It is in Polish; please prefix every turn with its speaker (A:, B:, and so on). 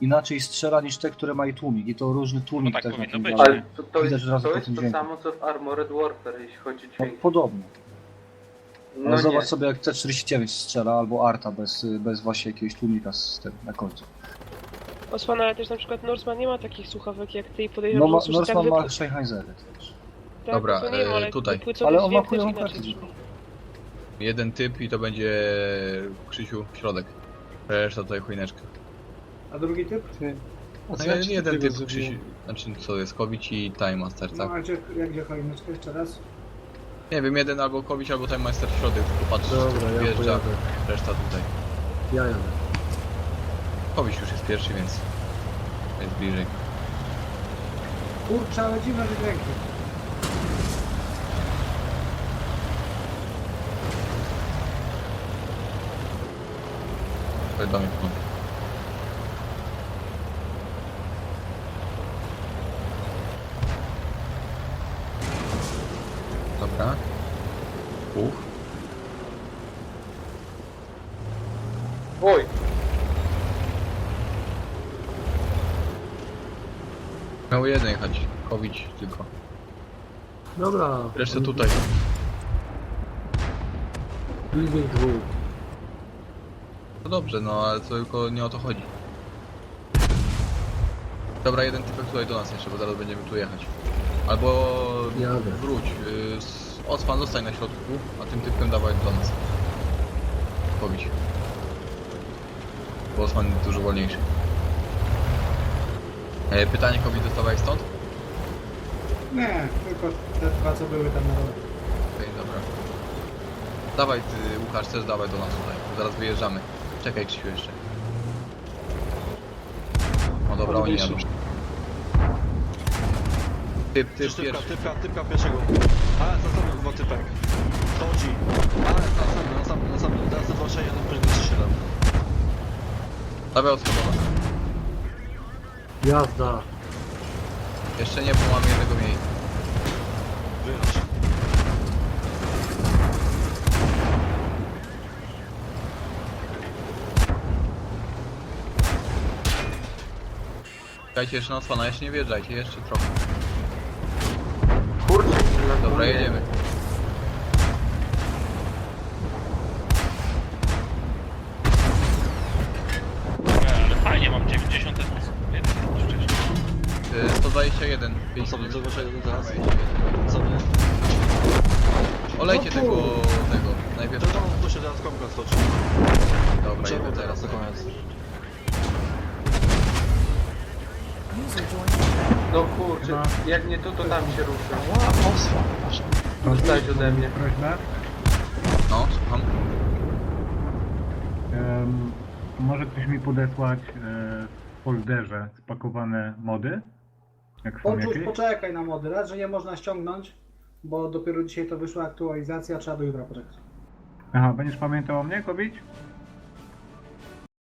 A: inaczej strzela niż te, które mają tłumik i to różny tłumik
B: No tak
A: też
B: powinno
A: na tym
B: być,
A: działa.
B: nie?
C: Ale to
A: Widać
C: jest,
A: od razu
C: to,
A: po
C: jest
A: tym
C: to
A: dźwięku.
C: samo co w Armored Warfare, jeśli chodzi o
A: No,
C: dźwięk.
A: podobnie.
C: No
A: Ale zobacz
C: nie.
A: sobie jak T-49 strzela, albo Arta bez właśnie jakiegoś tłumika z tym na końcu.
D: Osman, ale też na przykład Norseman nie ma takich słuchawek jak ty i
A: No
D: podejrzewam, że usłyszy tak
A: Norseman ma Sennheisery też.
D: tak,
E: Dobra,
D: to nie ma, ale
E: tutaj.
D: wypłycowy
A: Ale on ma
D: dźwięk też
A: chujową
D: inaczej
A: kartę.
D: brzmi.
E: Jeden typ i to będzie Krzysiu środek. Reszta tutaj chujneczka.
F: A drugi typ?
E: No jeden typ Krzysiu, znaczy co jest, Kowić i Time Master,
F: No
E: tak?
F: a gdzie choineczka jeszcze raz?
E: Nie wiem, jeden albo Kowić, albo Time Master w środek, tylko patrz,
G: Dobra, ja
E: wjeżdża,
G: pojadę.
E: reszta tutaj.
G: Ja jadę.
E: Kowić już jest pierwszy, więc jest bliżej.
F: Kurczę, ale dziwne te dźwięki.
E: To jest do mnie w kąt. Dobra.
C: Oj,
E: Miał jeden jechać, Kowić tylko.
G: Dobra.
E: Reszta tutaj.
G: Leading dwóch.
E: No dobrze, no ale to tylko nie o to chodzi. Dobra, jeden typek tutaj do nas jeszcze, bo zaraz będziemy tu jechać. Albo
G: Jadę.
E: wróć. Osman zostań na środku, a tym typkiem dawaj do nas. Pobić. Bo Osman jest dużo wolniejszy. Pytanie, Kobi, dostawałeś stąd?
F: Nie, tylko te dwa co były tam na dole.
E: Okej, dobra. Dawaj ty, Łukasz, też dawaj do nas tutaj. Zaraz wyjeżdżamy. Czekaj, Krzysiu, jeszcze. O dobra, oni jadą. Typ pierwszy.
H: Typka pierwszego. Ale za sobą dwa typek. Chodzi. Ale na sam. Teraz to 2, 1, 5, 7.
E: Dawaj od schodowa.
G: Jazda.
E: Jeszcze nie, bo mamy jednego mniej.
H: Wyjechać.
E: Czekajcie jeszcze na Osmana, jeszcze nie wjeżdżajcie, jeszcze trochę.
C: kurczę,
E: Dobra, jedziemy.
B: Ale fajnie, mam 90 wcześniej.
E: 121.
H: Na sobie, 2, 1 teraz.
E: 121.
H: Sobie.
E: Olejcie tego. Najpierw.
H: To się teraz komka stoczy.
E: Dobra,
H: Czemu
E: jedziemy
H: teraz
E: teraz.
H: na koniec?
C: No kurczę, jak nie tu, to tam się ruszę. Dostałeś ode mnie.
F: Prośba.
E: No, słucham.
F: Może ktoś mi podesłać w folderze spakowane mody? Jak są
I: Poczuć,
F: jakieś?
I: poczekaj na mody. Raz, że nie można ściągnąć, bo dopiero dzisiaj to wyszła aktualizacja, trzeba do jutra poczekać.
F: Aha, będziesz pamiętał o mnie, Kobić?